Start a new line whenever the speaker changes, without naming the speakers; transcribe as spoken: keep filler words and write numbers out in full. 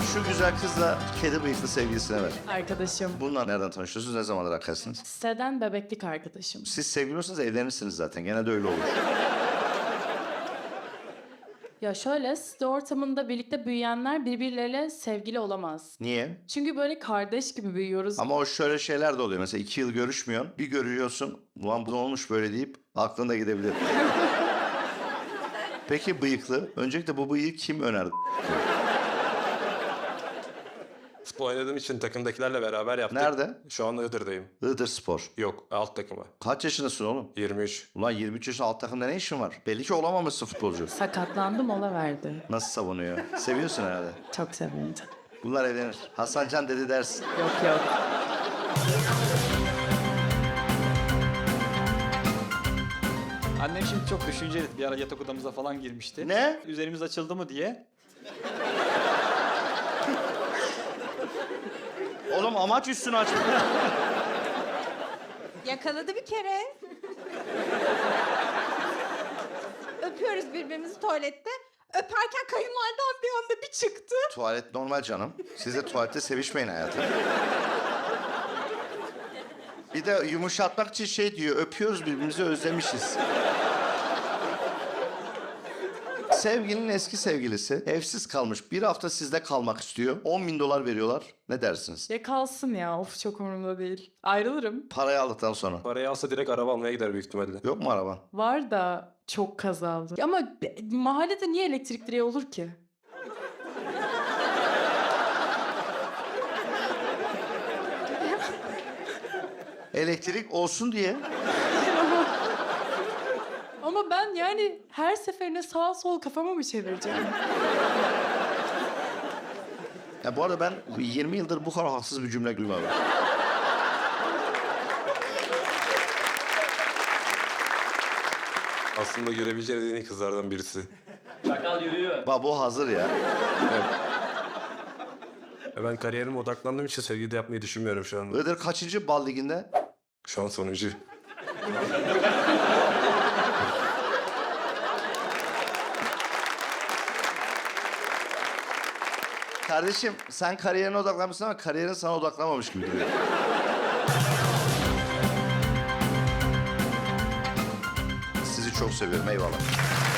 Şu güzel kızla kedi bıyıklı sevgilisine ver.
Arkadaşım.
Bunlar nereden tanışıyorsunuz? Ne zamandır arkadaşsınız?
Siteden bebeklik arkadaşım.
Siz sevgili olsanız evlenirsiniz zaten. Genelde öyle olur.
Ya şöyle, site ortamında birlikte büyüyenler birbirleriyle sevgili olamaz.
Niye?
Çünkü böyle kardeş gibi büyüyoruz.
Ama o şöyle şeyler de oluyor. Mesela iki yıl görüşmüyorsun. Bir görüyorsun. Ulan bu ne olmuş böyle deyip aklında gidebilir. Peki bıyıklı. Öncelikle bu bıyığı kim önerdi?
Futbol oynadığım için takımdakilerle beraber yaptık.
Nerede?
Şu anda Iğdır'dayım.
Iğdır Spor.
Yok, alt takıma.
Kaç yaşındasın oğlum?
yirmi üç.
Ulan yirmi üç yaşında alt takımda ne işin var? Belli ki olamamışsın futbolcu.
Sakatlandı, mola verdi.
Nasıl savunuyor? Seviyorsun herhalde.
Çok sevindim.
Bunlar evlenir. Hasan Can dedi dersin.
Yok yok.
Annem şimdi çok düşünceli. Bir ara yatak odamıza falan girmişti.
Ne?
Üzerimiz açıldı mı diye.
Oğlum amaç üstünü açmak.
Yakaladı bir kere. Öpüyoruz birbirimizi tuvalette. Öperken kayınvalidem bir anda bir çıktı.
Tuvalet normal canım. Siz de tuvalette sevişmeyin hayatım. Bir de yumuşatmak için şey diyor, öpüyoruz birbirimizi özlemişiz. Sevgilinin eski sevgilisi evsiz kalmış. Bir hafta sizde kalmak istiyor. on bin dolar veriyorlar. Ne dersiniz?
Ya kalsın ya, of çok umurumda değil. Ayrılırım.
Parayı aldıktan sonra.
Parayı alsa direkt araba almaya gider büyük ihtimalle.
Yok mu araban?
Var da çok kazalı. Ama be- mahallede niye elektrik direği olur ki?
Elektrik olsun diye.
Ama ben yani her seferinde sağa sol kafama mı çevireceğim?
Ya bu arada ben yirmi yıldır bu kadar haksız bir cümle duymadım.
Aslında görebileceğiniz en iyi kızlardan birisi.
Çakal yürüyor.
Babo hazır ya.
E Ben kariyerime odaklandığım için sevgili de yapmayı düşünmüyorum şu anda.
Iğdır kaçıncı bal liginde?
Şu an sonuncu.
Kardeşim sen kariyerine odaklanmışsın ama kariyerin sana odaklanmamış gibi duruyor. Sizi çok seviyorum eyvallah.